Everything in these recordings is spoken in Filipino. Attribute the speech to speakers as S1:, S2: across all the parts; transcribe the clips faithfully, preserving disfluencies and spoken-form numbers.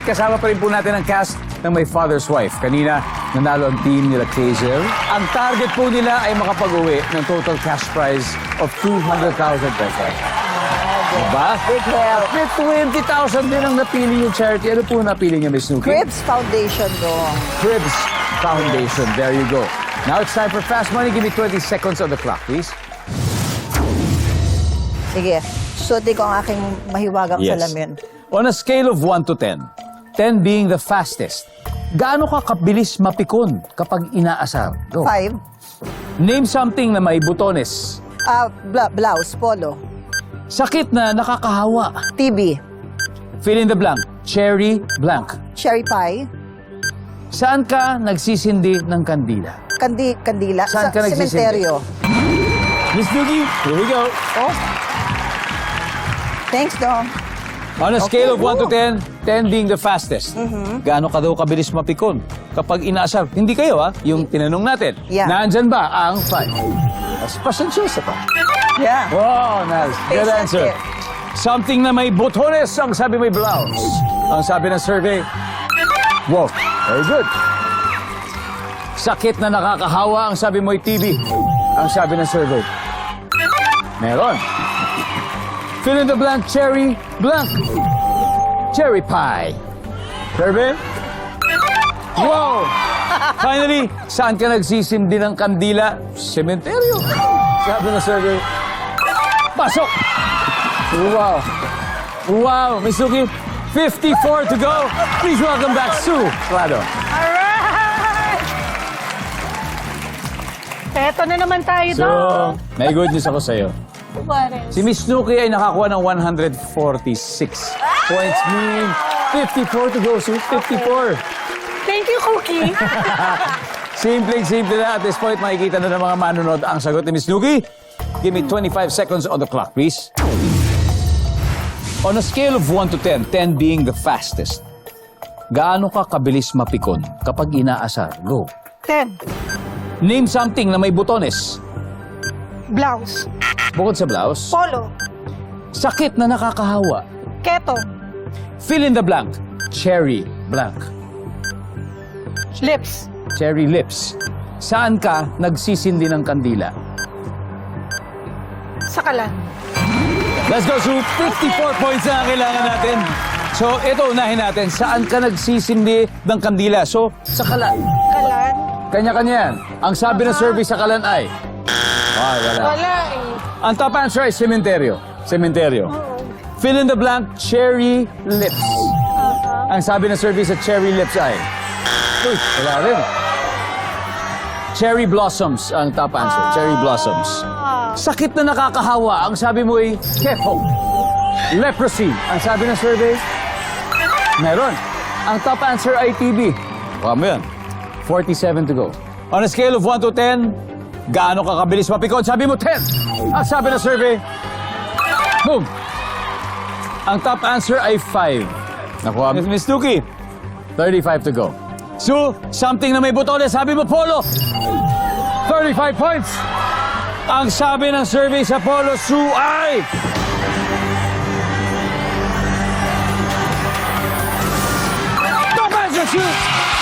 S1: Kasama pa rin po natin ang cast ng My Father's Wife. Kanina, nanalo ang team nila Hazel. Ang target po nila ay makapag-uwi ng total cash prize of two hundred thousand pesos. Diba?
S2: Big help.
S1: May twenty thousand din ang napili yung charity. Ano po napili niya, Miss Nuki?
S2: Cribs Foundation dong.
S1: Cribs Foundation. There you go. Now it's time for Fast Money. Give me twenty seconds on the clock, please.
S2: Sige, suotin ko ang aking mahiwagang salamin.
S1: On a scale of one to ten, ten being the fastest, gaano ka kabilis mapikon kapag inaasar? Go.
S2: Five.
S1: Name something na may butones.
S2: Ah, bla blouse, polo.
S1: Sakit na nakakahawa.
S2: T V.
S1: Fill in the blank. Cherry blank.
S2: Cherry pie.
S1: Saan ka nagsisindi ng kandila?
S2: Kandi kandila.
S1: Saan ka nagsisindi?
S2: Sementeryo.
S1: Miss Nuki, here we go.
S2: Oh. Thanks, dong.
S1: On a
S2: Okay,
S1: scale of one to
S2: go.
S1: ten, ten being the fastest, gaano ka daw kabilis mapikon kapag inaasar? Hindi kayo, ha? Yung tinanong natin.
S2: Yeah.
S1: Nandyan ba ang five? Mas pasensyosa pa.
S2: Yeah.
S1: Wow, nice. Good
S2: Patient
S1: answer.
S2: here.
S1: Something na may botones, ang sabi may blouse. Ang sabi ng survey, wow, very good. Sakit na nakakahawa, ang sabi mo ay T V. Ang sabi ng survey, meron. Fill in the blank, cherry blank. Cherry pie. Survey? Wow! Finally, saan ka nagsisimdi ng kandila? Sementeryo. Sabi ng survey, pasok! Wow! Wow! Miss Nuki, fifty-four to go. Please welcome back Sue Clado.
S3: Alright! Eto na naman tayo
S1: So,
S3: doon.
S1: may good news ako sa'yo.
S3: What is?
S1: Si Miss Nuki ay nakakuha ng one hundred forty-six points. Meaning, fifty-four to go, Sue. fifty-four.
S3: Thank you, Cookie.
S1: Simple-simple na. At this point, makikita na ng mga manunod ang sagot ni Miss Nuki. Give me twenty-five seconds on the clock, please. On a scale of one to ten, ten being the fastest, gaano ka kabilis mapikon kapag inaasar? Go.
S3: Ten.
S1: Name something na may butones.
S3: Blouse.
S1: Bukod sa blouse,
S3: Polo.
S1: sakit na nakakahawa.
S3: Keto.
S1: Fill in the blank. Cherry blank.
S3: Lips.
S1: Cherry lips. Saan ka nagsisindi ng kandila?
S3: Sakalan.
S1: Let's go, Sue. fifty-four points na ang kailangan natin. So, ito, unahin natin. Saan ka nagsisindi ng kandila? So, sa kalan.
S3: Kalan.
S1: Kanya-kanya yan. Ang sabi ng survey sa kalan ay... Ah, wala.
S3: Wala eh.
S1: Ang top answer ay sementeryo. Sementeryo. Fill in the blank, cherry lips. Ang sabi ng survey sa cherry lips ay... Uy, wala rin. Cherry blossoms ang top answer. Cherry blossoms. Sakit na nakakahawa. Ang sabi mo ay kepo. Leprosy. Ang sabi ng survey, meron. Ang top answer ay T B. Kuha mo yan. forty-seven to go. On a scale of one to ten, gaano ka kabilis mapikon? Sabi mo ten. Ang sabi ng survey, boom. Ang top answer ay five. Nakuha mo. Miss Nuki, thirty-five to go. So, something na may butones. Sabi mo, polo. thirty-five points. Ang sabi ng survey sa Polo Sue ay... Top answer, Sue!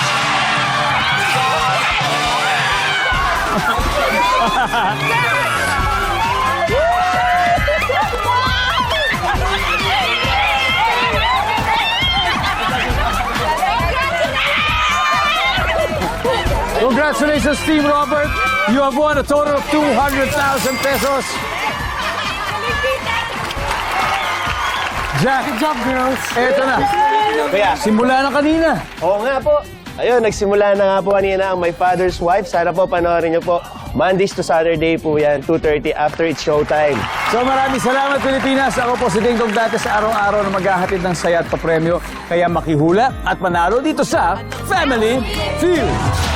S1: Congratulations, Team Robert. You have won a total of two hundred thousand pesos. Jack,
S3: Good job, girls.
S1: eto na.
S4: Kaya,
S1: Simula na kanina.
S4: oo nga po. Ayun, nagsimula na nga po kanina ang My Father's Wife. Sana po panoorin niyo po. Mondays to Saturday po yan, two thirty after it's showtime.
S1: So maraming salamat, Pilipinas. Ako po si Ding Dong dati sa araw-araw na maghahatid ng saya at papremyo. Kaya makihula at manalo dito sa Family Feud.